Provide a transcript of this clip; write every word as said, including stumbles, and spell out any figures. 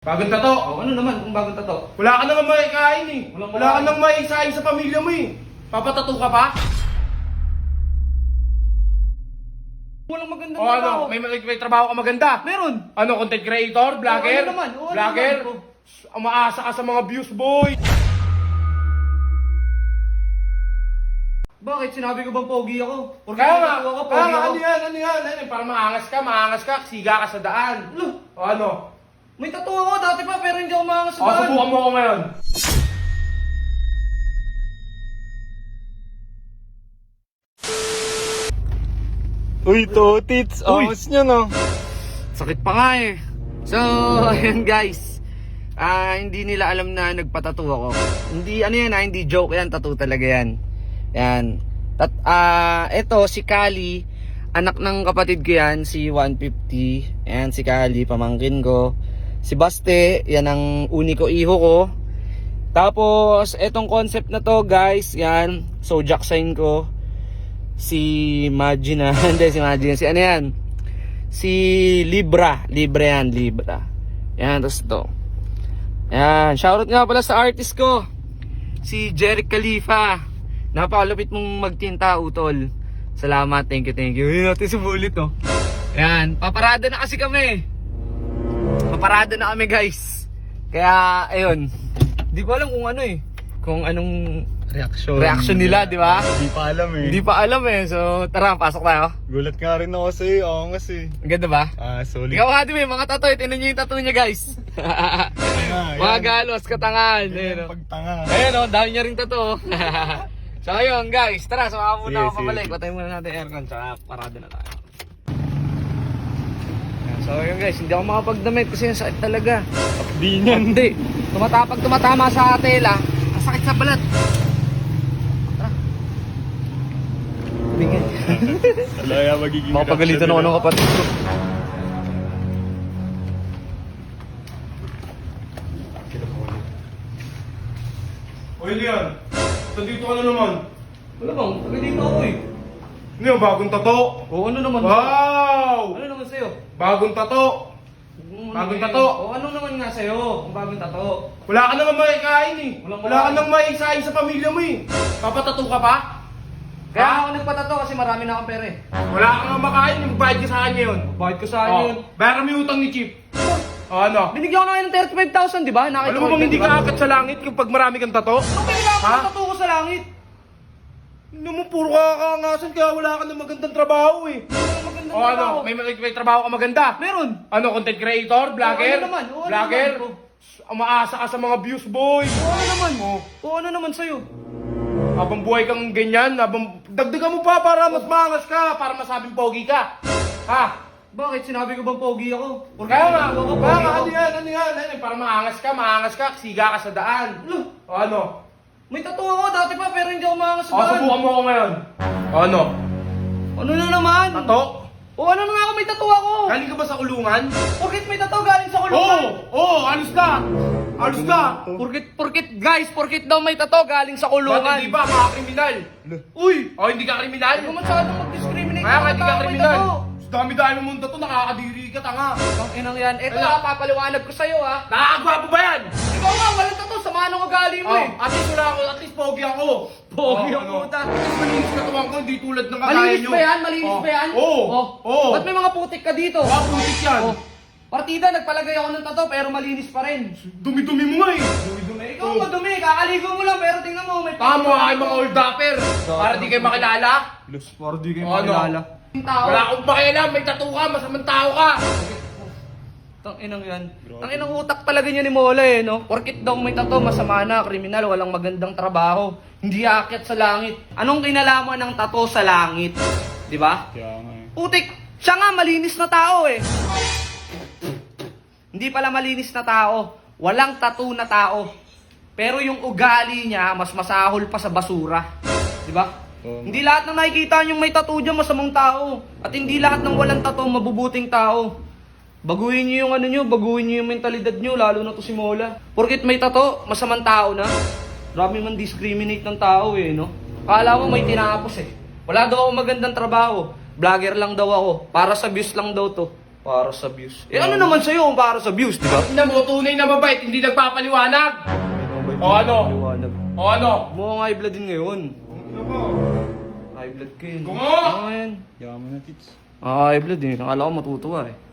Bagong tato. Oh, ano naman kung bagong tato? Wala ka nang maikain eh. Walang Wala ka makain. nang maisain sa pamilya mo eh. Papatato ka pa? Walang magandang O ano, trabaho. may, may, may trabaho ka maganda? Meron. Ano, content creator? Vlogger? ano naman? O, ano Vlogger? naman? Umaasa ka sa mga views, boy. Bakit? Sinabi ko bang pogi ako? Porque Kaya nga, ako, kaya pogi nga, ako. ano yan, ano yan, ano yan, para maangas ka, maangas ka, siga ka sa daan. Ano? O ano? May tattoo ako dati pa pero hindi ako maangas sa O, daan. subukan mo ako ngayon. Uy, Totits, Uy. angas nyo no? Sakit pa nga eh. So, ayun guys. Ah, hindi nila alam na nagpatattoo ako. Hindi ano yan, ah, hindi joke yan, tattoo talaga yan. Yan. Tat ah, eto si Kali, anak ng kapatid ko yan, si one fifty. Yan si Kali, pamangkin ko. Si Baste, yan ang uni ko iho ko. Tapos, etong concept na to, guys, yan, zodiac sign ko. Si Magina, hindi si Magina, si ano yan? Si Libra, Libra yan, Libra. Yan, tapos to. Yan, shoutout nga pala sa artist ko, si Jeric Khalifa. Napakalupit mong magtinta, utol. Salamat, thank you, thank you. Yun natin sumulit, oh. Yan, paparada na kasi kami. Paparada na kami, guys. Kaya, ayun. Di ko alam kung ano eh. Kung anong Reaction. reaction nila, di ba? Hindi pa alam eh. Hindi pa alam eh. So, tara, pasok tayo. Gulat nga rin ako sa'yo, angas eh. Ang ganda ba? Ah, solid. Ikaw nga, di ba? Mga tattoo. Tinan nyo yung tattoo niya, guys. Tanga, Mga yan. galos, katangan. Yan Ayun, ang oh. pagtanga. Ayun, oh. Dami niya rin tattoo. So, ayun, guys. Tara, sumaka muna Sige, ako sige. pabalik. Patay muna natin aircon. Tsaka parada na tayo. Ayan, so, ayun, guys. Hindi ako makapagdamit kasi yung sakit talaga. Di niyan. Hindi. Tumatapag tumatama sa tela. Ang sakit sa balat. Tara. Bingin. Alaya magiging Makapagalitan ako ng kapatid ko. Oy, Leon. Nandito ka na naman. Wala bang, taga dito ako eh. Ano yung bagong tato? O ano naman? Wow! Ano naman sa'yo? Bagong tato. Bagong tato. O ano naman nga sa'yo? Kung bagong tato. Wala ka nang maikain eh. Walang Wala ka makain. nang maisain sa pamilya mo eh. Papatato ka pa? Kaya Ha? ako nagpatato kasi marami na akong pera eh. Wala ka nang makain, magbayad ka sa akin ngayon. Bakit ko sa Oh, yun? bayaran mo yung utang ni Chip. O ano? Binigyan ko na kayo ng thirty-five thousand, di ba? Nakita Alam mo bang hindi ka akat sa langit kapag marami kang tato? Anong pinagawa ko Ha? ng tato ko sa langit? Hindi mo puro kakaangasan kaya wala ka ng magandang trabaho eh. Magandang O ano, trabaho. may, may, may trabaho ka maganda? Meron. Ano, content creator? Vlogger? O, ano naman? O, ano Vlogger? naman? Umaasa ka sa mga views, boy. O ano naman? O ano naman sa'yo? Habang buhay kang ganyan, habang dagdagan mo pa para mas maangas ka, para masabing pogi ka. Ha? Bakit? Sinabi ko bang pogi ako? Porque Kaya nga, ako, kaya pogi nga, ako. ano yan, ano yan, ano yan, para maangas ka, maangas ka, siga ka sa daan. Ano? O ano? May tattoo ako dati pa pero hindi ako maangas sa O, daan. subukan mo ako ngayon. O ano? Ano na naman? Tato? O ano na nga ako may tattoo ako? Galing ka ba sa kulungan? Porkit may tattoo galing sa Oo! kulungan. Oo! Alis ka! Alis ka! Porkit, porkit, guys, porkit daw may tattoo galing sa Ba't kulungan. hindi ba mga kriminal? Uy! O hindi ka kriminal? Huwag ka masyadong mag-discriminate Kaya nga sa hindi ka tao may kriminal. tattoo. Dami-dami mong tato, nakakadiri ka, tanga. Ang inang yan. Ito Wala. ha, papaliwanag ko sa'yo ha. Nakakagwapo ba yan? Ikaw nga, walang tattoo. Samahan ng ugali mo Oh, eh. at least wala ako, at least pogi ako. Pogi Oh, ang ano? puta. At least malinis na tuwang ko, hindi tulad ng kagaya Malinis nyo. ba yan? Malinis Oh. ba yan? Oo. Oh. Oo. Ba't may mga putik ka dito? Mga putik yan. Oh. Partida, nagpalagay ako ng tattoo pero malinis pa rin. Dumi-dumi mo nga eh. Dumi-dumi. Ikaw Oh. madumi, kakaligo mo lang pero tingnan mo, may Tama kayo mga old dapper. Para di kayo makilala. Los, para di kayo O, ano? makilala. Yung tao. Wala akong pakialam, may tattoo ka, masamang tao ka. Tang inang yan. Tang inang utak talaga niya ni Mola eh, no? Porkit daw may tattoo, masama na, kriminal, walang magandang trabaho. Hindi aakyat sa langit. Anong kinalaman ng tattoo sa langit? Di ba? Kaya nga eh. Putik, siya nga malinis na tao eh. Hindi pala malinis na tao. Walang tattoo na tao. Pero yung ugali niya, mas masahol pa sa basura. Di ba? Oo. Hindi lahat ng nakikita niyong may tattoo dyan, masamang tao. At hindi lahat ng walang tattoo, mabubuting tao. Baguhin niyo yung ano niyo, baguhin niyo yung mentalidad niyo, lalo na to si Mola. Porkit may tattoo, masamang tao na. Marami man discriminate ng tao eh, no? Kala mo may tinapos eh. Wala daw ako magandang trabaho. Vlogger lang daw ako. Para sa views lang daw to. Para sa views. Eh ano naman sa'yo kung para sa views, di ba? Tingnan mo, tunay na mabait, hindi nagpapaliwanag. O ano? Liwanag. O ano? Mukhang high blood din ngayon. High blood ka yun. Kung nga! Ano yan? Yaman na tits. Ah, high blood eh. Nakala ko matutuwa eh.